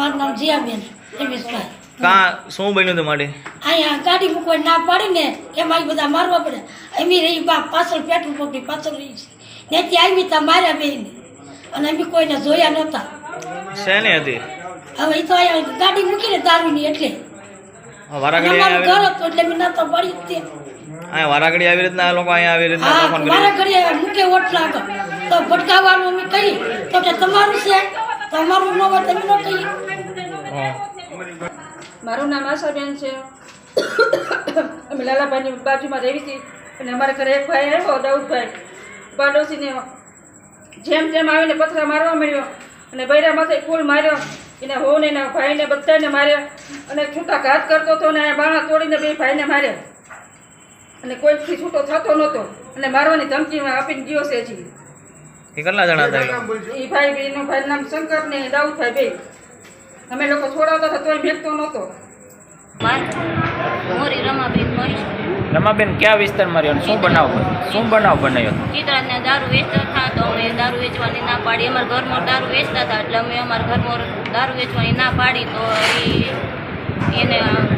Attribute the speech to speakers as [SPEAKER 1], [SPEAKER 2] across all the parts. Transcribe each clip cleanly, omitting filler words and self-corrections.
[SPEAKER 1] મારું નામ જીયાબેન રમેશભાઈ.
[SPEAKER 2] કા શું બન્યું તમારે?
[SPEAKER 1] અહીંયા ગાડી મૂકવાની ના પાડી ને એમાં બધા મારવા પડે. એમી રહી બા પાછળ પેટ્રોલ પંપની પાછળ રહી છે ત્યાંથી આવી ત્યાં માર્યા બેન અને અમે કોઈને જોયા નહોતા.
[SPEAKER 2] શેની હતી?
[SPEAKER 1] હવે એ તો અહીંયા ગાડી મૂકીને દારૂની એટલે
[SPEAKER 2] વારાઘડી
[SPEAKER 1] અમારું ઘર હતું એટલે મેં નતો પડી જ તે.
[SPEAKER 2] અહીંયા વારાઘડી આવી રીતના આ લોકો અહીંયા આવી રીતના
[SPEAKER 1] હા
[SPEAKER 2] તોફાન
[SPEAKER 1] મારા
[SPEAKER 2] કરી?
[SPEAKER 1] ઘરે મૂકે ઓટલા આગળ તો ભટકાવવાનું અમે કહી તો કે તમારું છે તમારું ન હોય તમે ન કહી.
[SPEAKER 2] હા.
[SPEAKER 3] મારું નામ આશાબેન છે. અમે લાલાભાઈની બાજુમાં રહેવી હતી અને અમારા ઘરે એક ભાઈ આવ્યો દાઉદભાઈ પાડોશીને જેમ જેમ આવીને પથરા મારવા મળ્યો અને બૈરા માથે ફૂલ માર્યો એને હોને એના ભાઈને બધાને માર્યા અને છૂટા ઘાત કરતો હતો અને બાણા તોડીને બે ભાઈને માર્યા અને કોઈથી છૂટો થતો નહોતો અને મારવાની ધમકી આપીને ગયો છે હજી.
[SPEAKER 2] એ કેટલા જણા હતા એ લોકો?
[SPEAKER 3] એ ભાઈ બેનું ભાઈ નામ શંકર ને દાઉદભાઈ બે. અમે લોકો છોડાવતા હતા તોય ભેગતો નહોતો.
[SPEAKER 4] મોરી રમાબેન મહેશ
[SPEAKER 5] રમાબેન કયા વિસ્તારમાં રહ્યો? શું બનાવ બનાવ્યો?
[SPEAKER 4] ચિત્રાજને દારૂ વેચતા હતા તો અમે દારૂ વેચવાની ના પાડી. અમારા ઘરમાં દારૂ વેચતા હતા એટલે અમે અમારા ઘરમાં દારૂ વેચવાની ના પાડી તો એને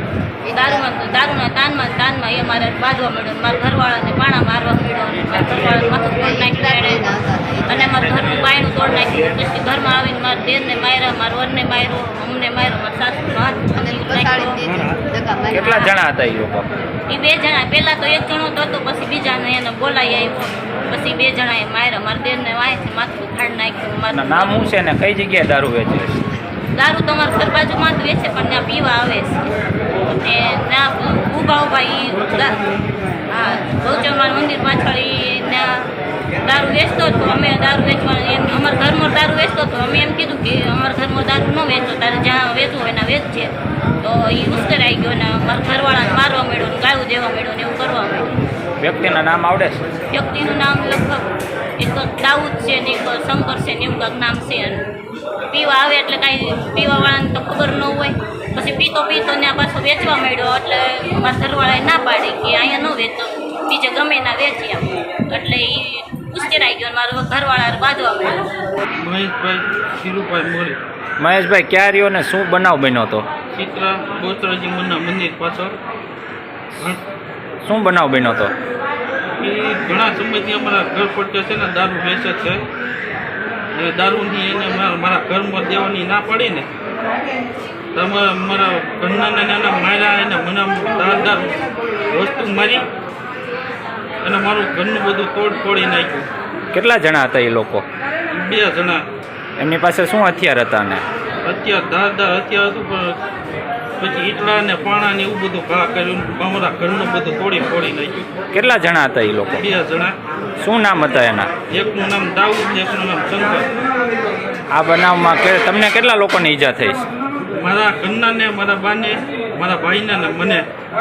[SPEAKER 4] દારૂના તાનમાં એ અમારે બાંધવા મળ્યો. મારા ઘરવાળાને પાણા મારવા મળ્યો અને મારા ઘરવાળાને માથું તોડ નાખ્યું અને અમારા ઘરનું પાયણું તોડ નાખ્યું. પછી ઘરમાં આવીને મારા દેરને માર્યા, મારા વરને માર્યો, અમને માર્યો, મારા સાસુનો હાથ નાખ્યો.
[SPEAKER 5] કેટલા જણા હતા એ લોકો?
[SPEAKER 4] એ બે જણા. પહેલાં તો એક જણો હતો પછી બીજાને એને બોલાવી આવ્યો પછી બે જણાએ માર્યા. મારા દેરને વાંચી માથું ફાડી નાખ્યું. મારું
[SPEAKER 5] નામ શું છે ને કઈ જગ્યાએ દારૂ વેચે?
[SPEAKER 4] દારૂ તમારા ઘર બાજુમાં જ વેચે પણ ત્યાં પીવા આવે છે અને ત્યાં ઊભા હા ગૌચરમાનું મંદિર પાછળ ત્યાં દારૂ વેચતો હતો. અમે દારૂ વેચવાનું એમ અમારા ઘરમાં દારૂ વેચતો હતો. અમે એમ કીધું કે અમારા ઘરમાં દારૂ ન વેચો, તારે જ્યાં વેચવું હોય એના વેચશે. તો એ ઉશ્કેરાઈ ગયો ને મારા ઘરવાળાને મારવા મળ્યો ને ગાયું દેવા મળ્યો ને એવું કરવા મળ્યું.
[SPEAKER 5] વ્યક્તિના નામ આવડે છે?
[SPEAKER 4] વ્યક્તિનું નામ લગભગ એક દાઉદ છે ને એક શંકર છે ને એવું કાંઈક નામ છે. પીવા આવે એટલે કાંઈ પીવાવાળાને તો ખબર ન હોય. પછી પીતો ત્યાં પાછો વેચવા માંડ્યો એટલે મારા ઘરવાળાએ ના પાડી કે અહીંયા ન વેચો, બીજે ગમે ના વેચી આમ. એટલે એ ઉશ્કેરાઈ ગયો મારો ઘરવાળા બાંધવા માંડ્યો.
[SPEAKER 6] મહેશભાઈ શિરુભાઈ મોરી.
[SPEAKER 5] મહેશભાઈ ક્યાં રહ્યો ને શું બનાવ બન્યો હતો?
[SPEAKER 6] ચિત્રા બોચરાજી મંદિર પાછળ.
[SPEAKER 5] શું બનાવ બન્યો હતો?
[SPEAKER 6] એ ઘણા સમયથી અમારા ઘર પડકે છે ને દારૂ વેચે છે. એ દારૂની એને મારા ઘરમાં દેવાની ના પડી ને તમે મારા ઘરના નાના માર્યા એને મને દારદાર વસ્તુ મારી અને મારું ઘરનું બધું તોડી નાખ્યું.
[SPEAKER 5] કેટલા જણા હતા એ લોકો?
[SPEAKER 6] 2 જણા.
[SPEAKER 5] એમની પાસે શું હથિયાર હતા? ને
[SPEAKER 6] હથિયાર ધારદાર હથિયાર હતું પણ પછી ઈટલા ને પાણા ને એવું બધું ઘા કર્યું. અમારા ઘરનું બધું તોડી નાખ્યું.
[SPEAKER 5] કેટલા જણા હતા એ લોકો?
[SPEAKER 6] 2 જણા.
[SPEAKER 5] શું નામ હતા એના?
[SPEAKER 6] એકનું નામ દાઉદ ને એકનું નામ શંકર.
[SPEAKER 5] આ બનાવમાં તમને કેટલા લોકોની ઈજા થઈ?
[SPEAKER 6] મારા ઘરના ને મારા બાને મારા ભાઈને ને મને